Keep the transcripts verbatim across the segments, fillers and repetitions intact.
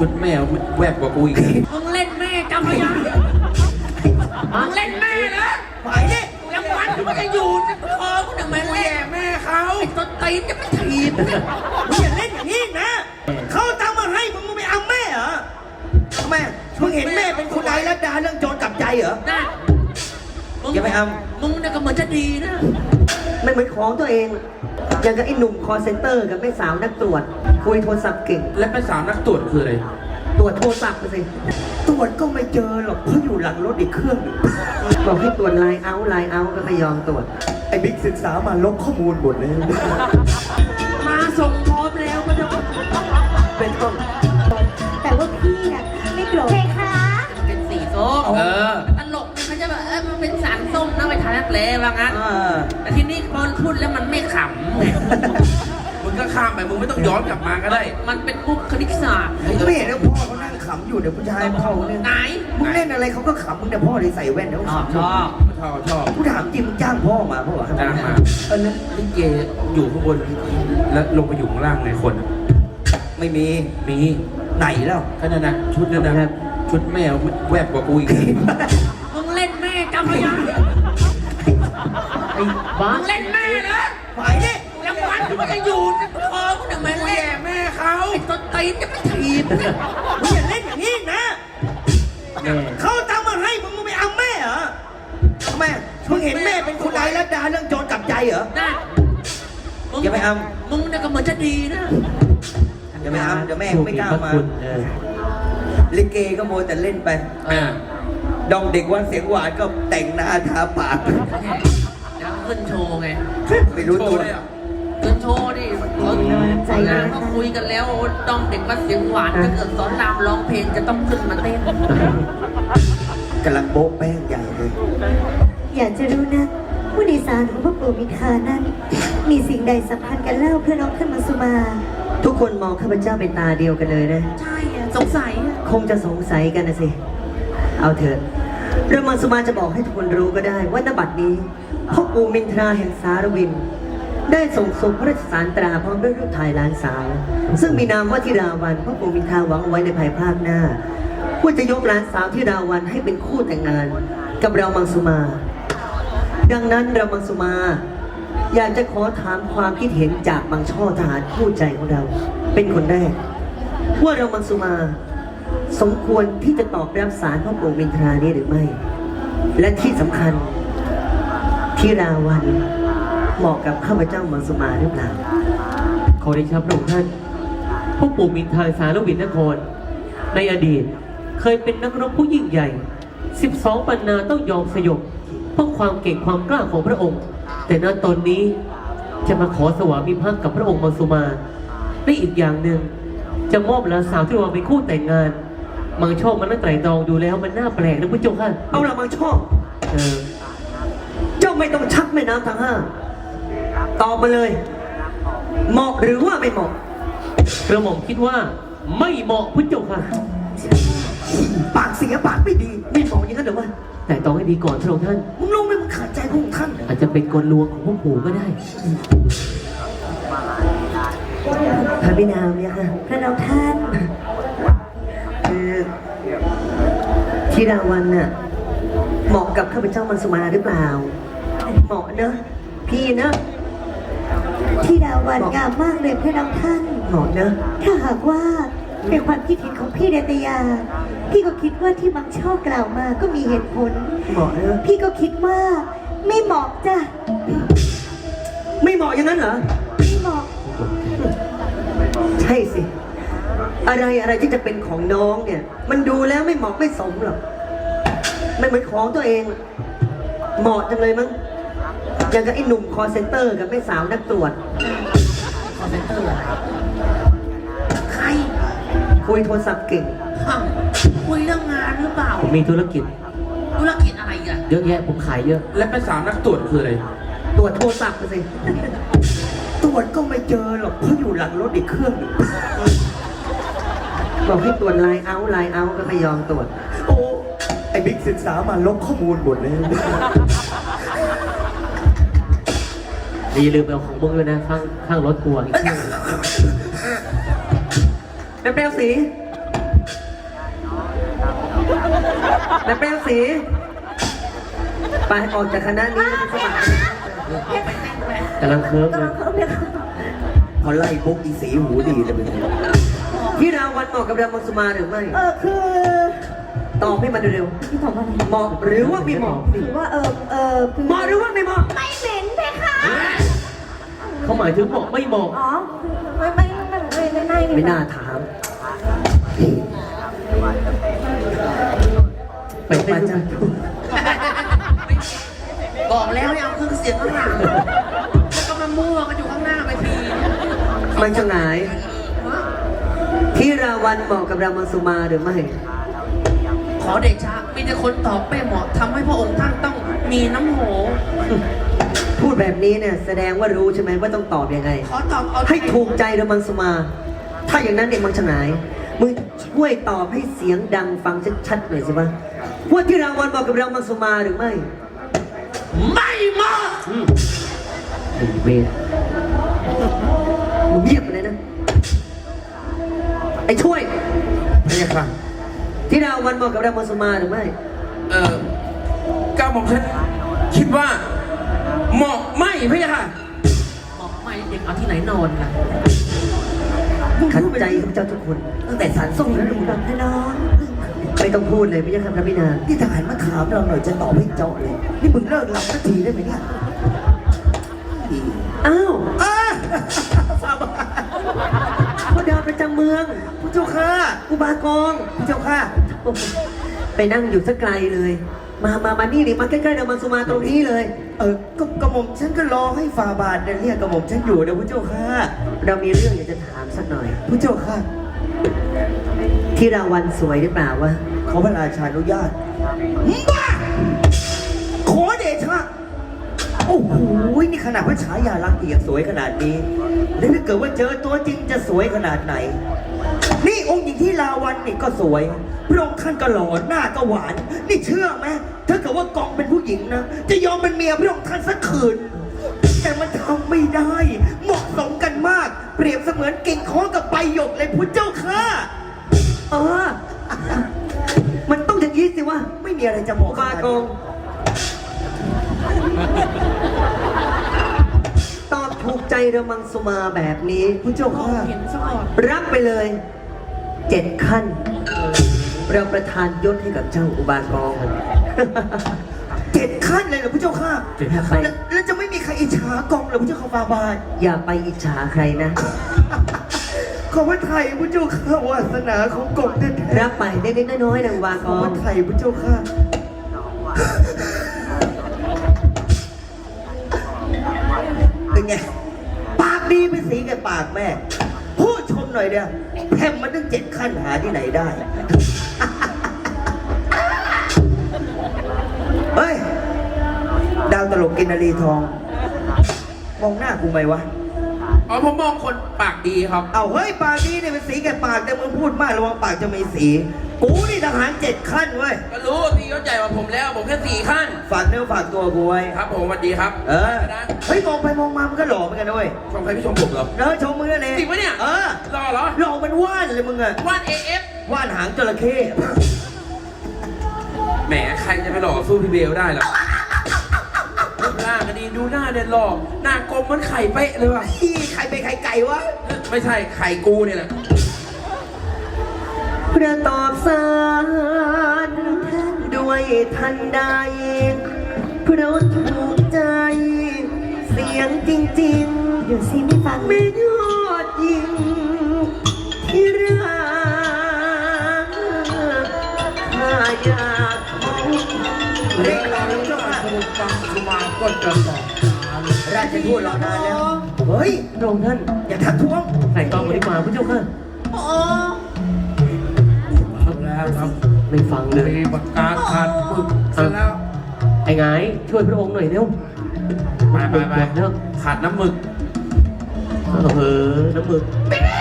ชุดแม่แวบกว่ากูอีกมึงเล่นแม่จำไว้ยังมึงเล่นแม่นะไปดิรางวัลมันจะอยู่ในคอกูทำไมเล่นแม่เขาไอ้ต้นตีนจะไม่ถีบมึงอย่าเล่นอย่างนี้นะเขาตั้งมาให้มึงมึงไม่เอาแม่เหรอทำไมมึงเห็นแม่เป็นคนใดแล้วดาเรื่องโจรกลับใจเหรอได้อย่าไปเอามึงเนี่ยก็เหมือนจะดีนะไม่เหมือนของตัวเองอย่างกับไอ้หนุ่มคอเซ็นเตอร์กับแม่สาวนักตรวจคุยโทรศัพท์เก่งและแม่สาวนักตรวจคืออะไรตรวจโทรศัพท์ไปสิตรวจก็ไม่เจอหรอกเพราะอยู่หลังรถอีกเครื่องบอกให้ตรวจไลน์เอาท์ไลน์เอาท์ก็ไม่ยอมตรวจไอ้บิ๊กศึกษามาลบข้อมูลหมดเลยมาส่งพร้อมแล้วก็จะเป็นต้นแต่ว่าพี่น่ะไม่โกรธเพคะเป็นสีส้มเออตลกมันจะแบบเออมันเป็นสารส้มนะไปทานนักเลงว่างั้นแต่ทีนี้พอพูดแล้วมันไม่ขำไงมึงก็ข้ามไปมึงไม่ต้องย้อนกลับมาก็ได้มันเป็นมุกคณิตศาสตร์ไม่เห็นแล้วพ่อเขานั่งขำอยู่เดี๋ยวผู้ชายเขาเนี่ยไหนมึงเล่นอะไรเขาก็ขำมึงแต่พ่อเลยใส่แว่นแล้วชอบชอบชอบชอบกูถามจริงมึงจ้างพ่อมาพ่อจ้างมาเออแล้วลิเกอยู่ข้างบนแล้วลงไปอยู่ข้างล่างไงคนไม่มีมีไหนแล้วก็นั่นนะชุดนั่นนะชุดแม่แวบกว่ากูอีกมึงเล่นแม่จำไว้ยังไอ้บ้ามึงเล่นแม่นะไปดิรางวัลมันจะอยู่ในคอกูทำไมเล่นแม่เขาไอ้ต้นตีนจะไม่ถีบมึงอย่าเล่นอย่างนี้นะเขาตั้งมาให้มึงมึงไม่เอาแม่เหรอทำไมมึงเห็นแม่เป็นคนใดแล้วดาเรื่องโจรกลับใจเหรอได้อย่าไปเอามึงเนี่ยก็เหมือนจะดีนะอย่าไปเอาเดี๋ยวแม่ไม่กล้ามาลิเกก็โมแต่เล่นไปดองเด็กวันเสียงหวานก็แต่งหน้าทาปากแล้วขึ้นโชว์ไงไม่รู้ตัวขึ้นโชว์ดิเขาเขาคุยกันแล้วดองเด็กวันเสียงหวานถ้าเกิดสอนรามร้องเพลงจะต้องขึ้นมาเต้นกำลังโบ๊ะแป้งใหญ่เลยอยากจะรู้นะผู้โดยสารของพระปู่มิทานั้นมีสิ่งใดสัมพันธ์กันเล่าเพื่อน้องขึ้นมาสุมาทุกคนมองข้าพเจ้าเป็นตาเดียวกันเลยนะใช่สงสัยคงจะสงสัยกันนะสิเอาเถอะเรื่องมังสุมาจะบอกให้ทุกคนรู้ก็ได้ว่าณบัดนี้พ่อปู่มินทราแห่งสารวินได้ส่งส่งพระราชสารตราพร้อมด้วยรูปถ่ายหลานสาวซึ่งมีนามว่าธิราวันพ่อปู่มินทราหวังไว้ในภายภาคหน้าว่าจะยกหลานสาวธิราวันให้เป็นคู่แต่งงานกับเรามังสุมาดังนั้นเรามังสุมาอยากจะขอถามความคิดเห็นจากบางช่อทหารคู่ใจของเราเป็นคนแรกว่าเรามังสุมาสมควรที่จะตอบรับสารพ่อปู่มินทรานี้หรือไม่และที่สำคัญธิราวันเหมาะกับข้าพเจ้ามังสุมาหรือเปล่าขอได้ครับพระองค์ท่านพ่อปู่มินทราสารวินนครในอดีตเคยเป็นนักรบผู้ยิ่งใหญ่สิบสองปันนาต้องยอมสยบเพราะความเก่งความกล้าของพระองค์แต่ณตอนนี้จะมาขอสวามิภักดิ์กับพระองค์มังสุมาได้อีกอย่างหนึ่งจะมอบหลานสาวที่วางเป็นคู่แต่งงานมังชอบมันนั่งไตร่ตรองดูแล้วมันน่าแปลกนะพุทธเจ้าค่ะเอาละมังชอบเออเจ้าไม่ต้องชักแม่น้ำทั้งห้าตอบมาเลยเหมาะหรือว่าไม่เหมาะกระหม่อมคิดว่าไม่เหมาะพุทธเจ้าค่ะปากเสียปากไม่ดีไม่เหมาะอย่างนั้นหรือวะแต่ต้องให้ดีก่อนพระองค์ท่านมึงลงไปมึงขัดใจพระองค์ท่านอาจจะเป็นกลลวงของพวกปู่ก็ได้พระบิดาเนี่ยค่ะพระน้องท่านคือธิราวันน่ะเหมาะกับข้าพเจ้ามังสุมาหรือเปล่าเหมาะเนอะพี่เนอะธิราวันงามมากเลยพระน้องท่านเหมาะเนอะถ้าหากว่าเป็นความคิดเห็นของพี่เดตยาพี่ก็คิดว่าที่มังช่อกล่าวมาก็มีเหตุผลเหมาะเนอะพี่ก็คิดว่าไม่เหมาะจ้ะไม่เหมาะอย่างนั้นเหรอไม่เหมาะใช่สิอะไรอะไรที่จะเป็นของน้องเนี่ยมันดูแล้วไม่เหมาะไม่สมหรอกไม่เหมือนของตัวเองเหมาะจังเลยมั้งอย่างกับไอ้หนุ่มคอเซ็นเตอร์กับแม่สาวนักตรวจคอเซ็นเตอร์อะไรใครคุยโทรศัพท์เก่งคุยเรื่องงานหรือเปล่ามีธุรกิจธุรกิจอะไรอ่ะเยอะแยะผมขายเยอะและแม่สาวนักตรวจคืออะไรตรวจโทรศัพท์ไปสิตรวจก็ไม่เจอหรอกเพราะอยู่หลังรถอีกเครื่องบอกให้ตรวจไลน์เอาท์ไลน์เอาท์ก็ไม่ยอมตรวจโอ้ไอ้บิ๊กศึกษามาลบข้อมูลหมดเลยอย่าลืมเอาของมึงเลยนะข้างข้างรถกลัวอีกแม่แป้วสีนายแป้งสีไปออกจากคณะนี้แล้วไปสมัครกำลังเคิร์ฟเลยพอไล่ปุ๊บอีสีหูดีเลยเป็นไงที่ราวันเหมาะกับรามังสุมาหรือไม่เออคือตอบให้มันเร็วพี่ตอบว่าอะไรๆเหมาะหรือว่าไม่เหมาะคือว่าเออเออคือเหมาะหรือว่าไม่เหมาะไม่เหม็นเพคะเขาหมายถึงเหมาะไม่เหมาะอ๋อไม่ไม่ไม่ไม่ไม่ไม่ไม่น่าถามไปเต้นด้วยกันบอกแล้วให้เอาเครื่องเสียงข้างหลังแล้วก็มามั่วกันอยู่ข้างหน้าไปทีมันจะหงายที่ราวันเหมาะกับรามังสุมาหรือไม่ขอเดชะมีแต่คนตอบไม่เหมาะทำให้พระองค์ท่านต้องมีน้ำโหพูดแบบนี้เนี่ยแสดงว่ารู้ใช่ไหมว่าต้องตอบยังไงขอตอบเอาให้ถูกใจรามังสุมา ถ้าอย่างนั้นเนี่ยมังฉงายมึงช่วยตอบให้เสียงดังฟังชัดๆหน่อยสิวะว่าที่ราวันเหมาะกับรามังสุมาหรือไม่ไม่เหมาะเวรมึงเงียบไปเลยนะ ไอ้ช่วยไม่ใช่ค่ะที่ราวันเหมาะกับรามังสุมาหรือไม่เออก้าวหม่อมฉันคิดว่า เหมาะไม่พี่ค่ะบอกไม่เด็กเอาที่ไหนนอนล่ะขันใจของเจ้าทุกคน ตั้งแต่สารส่งแล้วแบบให้น้องไม่ต้องพูดเลยพี่ยักษ์พระพินานี่ทหารมาถามเราหน่อยจะตอบให้เจาะเลย นี่มึงเลิกหลับสักทีได้ไหมเนี่ยอ้าวอ้าพ่อดาวประจำเมืองผู้เจ้าค่ะอุบากองผู้เจ้าค่ะไปนั่งอยู่สักไกลเลย มา มา มานี่ดิมาใกล้ๆเดามังสุมาตรงนี้เลยเออก็กระหม่อมฉันก็รอให้ฟาบาทเนี่ยเรียกกระหม่อมฉันอยู่นะผู้เจ้าค่ะเรามีเรื่องอยากจะถามสักหน่อยผู้เจ้าค่ะที่ราวันสวยหรือเปล่าวะขอพระราชาอนุญาตบ้าขอเดชะโอ้โหนี่ขนาดพระฉายาลักษณ์ยังสวยขนาดนี้แล้วถ้าเกิดว่าเจอตัวจริงจะสวยขนาดไหน นี่องค์หญิงที่ลาวันนี่ก็สวยพระองค์ท่านก็หล่อหน้าก็หวาน นี่เชื่อไหมถ้าเกิดว่ากองเป็นผู้หญิงนะ จะยอมเป็นเมียพระองค์ท่านสักคืน แต่มันทำไม่ได้ เหมาะสมกันมาก เปรียบเสมือนกิ่งค้อกับใบหยกเลยพุทธเจ้าค่ะเออ มันต้องอย่างนี้สิวะไม่มีอะไรจะบอกอุบากอง ตอบถูกใจเรามังสุมาแบบนี้พุทธเจ้าค่ะรับไปเลยเจ็ดขั้น เราประทานยศให้กับเจ้าอุบากองเจ็ดขั้นเลยเหรอพุทธเจ้าค่ะเจ็ดขั้นแล้วแล้วจะไม่มีใครอิจฉากองเหรอพุทธเจ้าค่ะฟาบาทอย่าไปอิจฉาใครนะขอพระไทยพุทธเจ้าค่ะวาสนาของกองแท้ๆรับไปเล็กๆน้อยๆนะอุบาขกออพงระไทยพุทธเจ้าค่ะเป็นไงปากดีเป็นสีกับปากแม่ พูดชมหน่อยเดียวแทมมันตั้งเจ็ดขั้นหาที่ไหนได้ เฮ้ย ดาวตลกกินนารีทอง มองหน้ากูไหมวะอ๋อผมมองคนปากดีครับเอาเฮ้ยปากดีเนี่ยเป็นสีแก่ปากแต่มึงพูดมากระวังปากจะมีสี กูนี่ทหารเจ็ดขั้นเว้ยก็รู้ตีเขาใหญ่กว่าผมแล้ว ผมแค่สี่ขั้นฝากเนื้อฝากตัวกูไว้ครับผมสวัสดีครับเออนะเฮ้ยมองไปมองมามันก็หล่อเหมือนกันนะเว้ยชมใครพี่ชมผมเหรอเออชมมึงนั่นเองจริงปะเนี่ยเออรอเหรอหล่อมันว่านเลยมึงอะวาด เอ เอฟว่านหางจระเข้แหมใครจะไปหล่อสู้พี่เบลได้หรอรูปร่างก็ดีดูหน้าเด่นหล่อหน้ากลมเหมือนไข่เป๊ะเลยว่ะที่ใครเป็นใครไก่วะไม่ใช่ไข่กูเนี่ยแหละเพื่อตอบสารด้วยทันใดเพราะถูกใจ เสียงจริงเดี๋ยวซิไม่ฟังๆ ไม่ยอดยิงที่รักข้าอยากพบเรียกเราแล้วเจ้าค่ะฟังสุมาก็จะตอบราชทูตรอนานแล้ว เฮ้ยพระองค์ท่านอย่าทักท้วงใส่กองบริมาพระเจ้าค่ะแล้วครับไม่ฟังเลยมีปากกาขาดปึกเสร็จแล้วไอ้ไงช่วยพระองค์หน่อยเร็วไปไปไปเร็วขาดน้ำหมึกเออน้ำมึก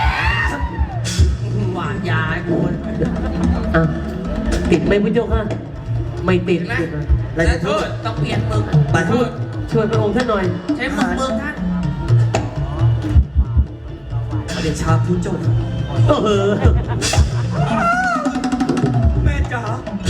หวานยาไอ้กูอ่ะติดไหมพระเจ้าค่ะ ไม่ติดเห็นไหมติดไหมราชทูตต้องเปลี่ยนมึงขอโทษช่วยพระองค์ท่านหน่อยใช้มึงมึงท่านเดชาพุทธเจ้าค่ะเออแม่จ๋า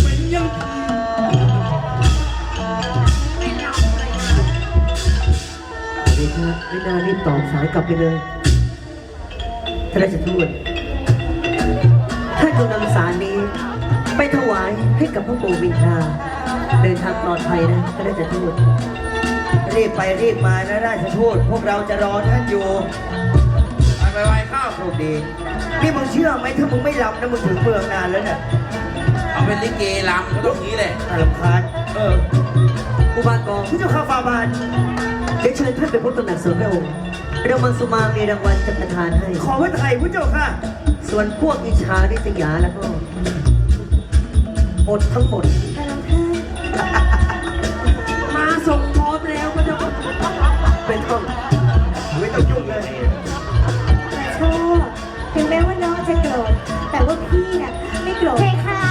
ายกลับไปเลยท่านราชทูตท่านจงนำสารนี้ ไปถวายให้กับพระปู่มินทราเดินทางปลอดภัยนะท่านราชทูตรีบไปรีบมานะราชทูตพวกเราจะรอท่านอยู่ไปไปไปข้าวโชคดีนี่มึงเชื่อไหมถ้ามึงไม่รับนะมึงถึงเมืองนานแล้วเนี่ยเอาเป็นลิเกลำก็ต้องนี้แหละอารมณ์คาญเอออุบากองผู้เจ้าข้าฟาบาทเดี๋ยวเชิญท่านไปพบตำหนักส่วนพระองค์เรามังสุมามีรางวัลจะประทานให้ขอพระไทยผู้เจ้าค่ะส่วนพวกอิจฉาริษยาแล้วก็อดทั้งหมดแต่เราท่านมาส่งพร้อมแล้วพระเจ้าค่ะเป็นต้นไม่ต้องยุ่งเลยแต่ชอบถึงแม้ว่าน้องจะโกรธแต่ว่าพี่น่ะไม่โกรธเพคะ